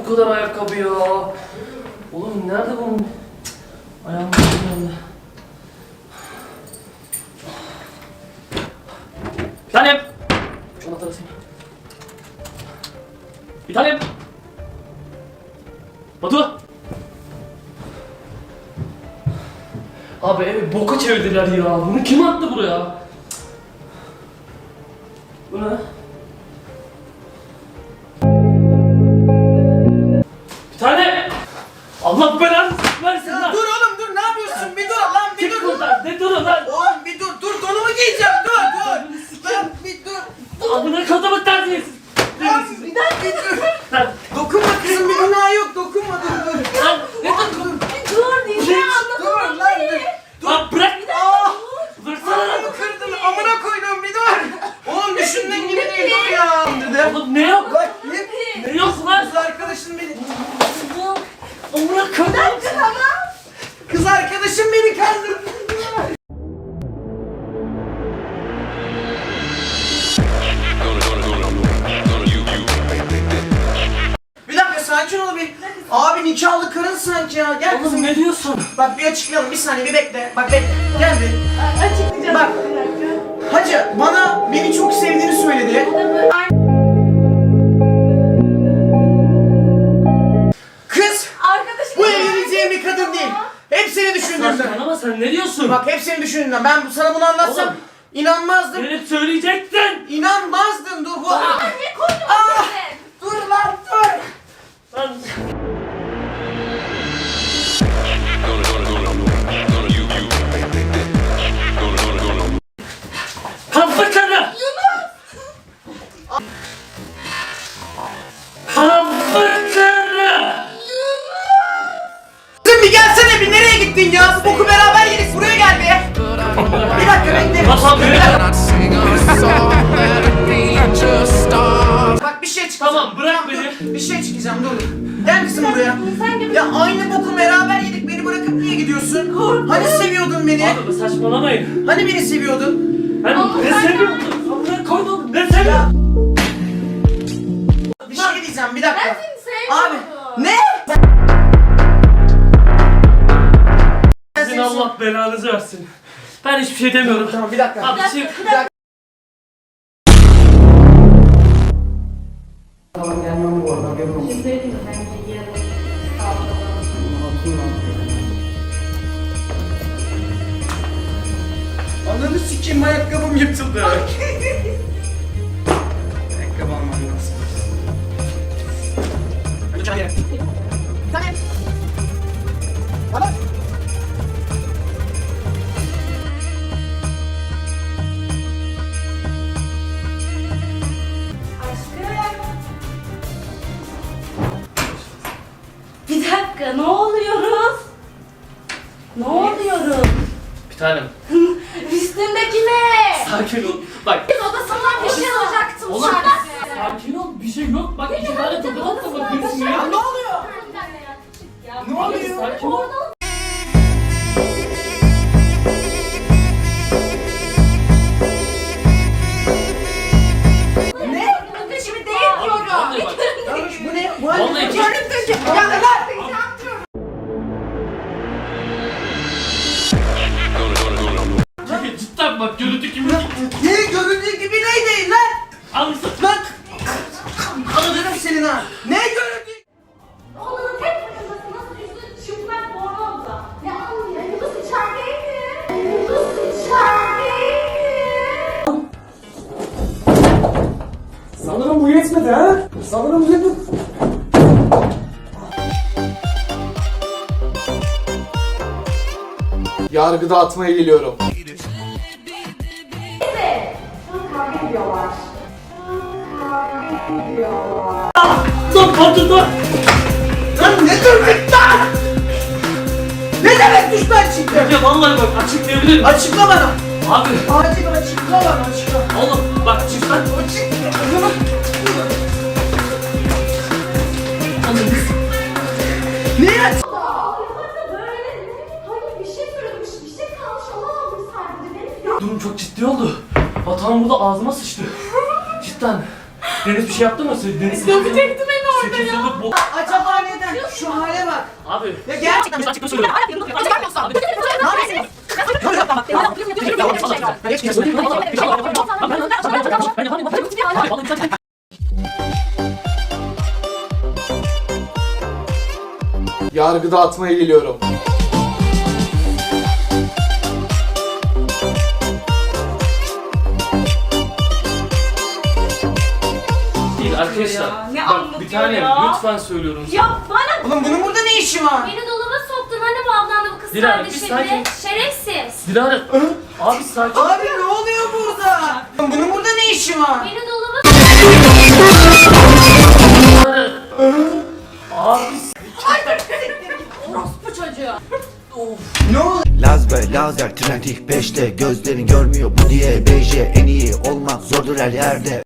bu kadar ayakkabı ya? Oğlum nerede bu? Ayağımın yanında. Bir tanem. Şu anahtarı asayım. Bir tanem. Batu. Abi evi boka çevirdiler ya. Bunu kim attı buraya? Bu ne? Bir tane. Allah belanı versin lan. Dur oğlum dur, ne yapıyorsun? Bir dur lan, bir Çık dur. buradan. Ne durun lan? Oğlum bir dur, donumu giyeceğim, dur. Lan bir dur. Amına kodumu terbiyesiz. Lan bir dur. Lan. Dokunma kızım, bir günah yok, dokunma, dur. Lan ne dur? Dur dinle Dur lan dur. Lan bırak. Aa! Bıraksana lan. Ayağımı kırdın, amına koydum, bir dur. Oğlum düşündüğün gibi değil, dur ya. Dedi. Oğlum ne yok? Bak Ne yok lan? kız arkadaşım beni. Amına kodumu. Kız arkadaşım beni kandırdı. Bir dakika sakin ol bir. Abi nikahlı karın sanki ya. Gel Oğlum kızım. ne diyorsun? Bak bir açıklayalım, bir saniye bir bekle. Bak bekle. Gel bir. Açıklayacağım. Bak. Bir dakika. Hacı bana beni çok sevdiğini söyledi. Kız Arkadaşım. bu evleneceğim bir kadın değil. Hep seni düşündüğümden. Saçmalama sen ne diyorsun? Bak hep seni düşündüğümden. Ben sana bunu anlatsam Oğlum. inanmazdın. Gelip söyleyecektin. İnanmazdın, dur bu. Ne koydun Ah! sen? Dur lan dur. Lan. Kampa karı. Kampa karı. Kızım bir gelsene, bir nereye gittin ya? Bu boku beraber yedik, buraya gel be. Bir dakika bekle. Tamam, Bir bir dakika. Not sing a song, let it be just stars. Bak bir şey çıkacağım. Tamam, bırak Tamam, dur. beni. Bir şey çıkacağım, dur. Gel kızım buraya. Sen gibi. Ya aynı boku beraber yedik, beni bırakıp niye gidiyorsun? Hani seviyordun beni? Abi saçmalamayın. Hani beni seviyordun? Ben Ama ne sen- seviyorum? Amına koydum ne seviyorum? Bir şey diyeceğim, bir dakika. Ben seni Abi, sevmiyorum. ne? Sizin Allah belanızı versin. Ben hiçbir şey demiyorum. Tamam bir dakika. Abi bir şey... Bir dakika. Tamam gelmem bu arada, haberin olsun. Bir söyleyeyim mi? Ben giyeceğim. Ananı sikeyim, ayakkabım yırtıldı. Ayakkabı almam lazım. Hadi çay ye. Tamam. Tamam. Bir dakika ne oluyoruz? Ne oluyoruz? Bir tanem. Üstündeki ne? Sakin ol. Bak. Biz odasından bir şey alacaktım Oğlum sadece. sakin ol. Bir şey yok. Bak iki tane tokat da bakıyorsun Ya ya. ne oluyor? Ne oluyor? Sakin ol. Ne? Şimdi değil diyorum. Vallahi bak. Yanlış, bu ne? Bu Vallahi ne? çok- Ya lan! Çünkü cidden bak görüntü kimi... Ne göründüğü gibi ne değil lan? Anlasın. Lan! Anladın senin ha? Ne göründüğü? Odanın tek başına nasıl üstü çıplak bornozla. Ne anlıyor? Yıldız içerideydi. Yıldız içerideydi. Sanırım bu yetmedi ha? Sanırım bu yetmedi. Yargı dağıtmaya geliyorum. Neyse. Şu an kavga ediyorlar. Kavga ediyorlar. Dur Batu dur. Lan ne durduk lan? Ne demek düşman çıktı? Ya vallahi bak açıklayabilirim. Açıkla bana. Abi. Acil açıkla bana, açıkla. Oğlum bak cidden. Açıkla. Neyi aç? Böyle hayır bir şey söylemiş, bir şey kalmış olamadım sadece. Benim Durum çok ciddi oldu. Batuhan burada ağzıma sıçtı. Cidden. Deniz bir şey yaptı mı? Deniz dövecekti beni orada 8 ya? yıllık bu. Acaba neden? Şu hale bak. Abi. Ya gel. Açıkça söylüyorum. Yargı dağıtmaya geliyorum. Değil arkadaşlar. Ya, ne Bak anlatıyor bir tanem ya? lütfen söylüyorum. Ya bana Oğlum bunun burada ne işi var? beni dolaba soktun hani bu ablanla bu kız Dilara, kardeşimle. bir sakin. Şerefsiz. Dilara. Abi sakin. Abi ne oluyor burada? Oğlum bunun burada ne işi var? Beni dolaba Abi. orospu çocuğu. Ne oluyor? Laz ve lazer trend ilk 5'te gözlerin görmüyor bu diye BJ en iyi olmak zordur her yerde.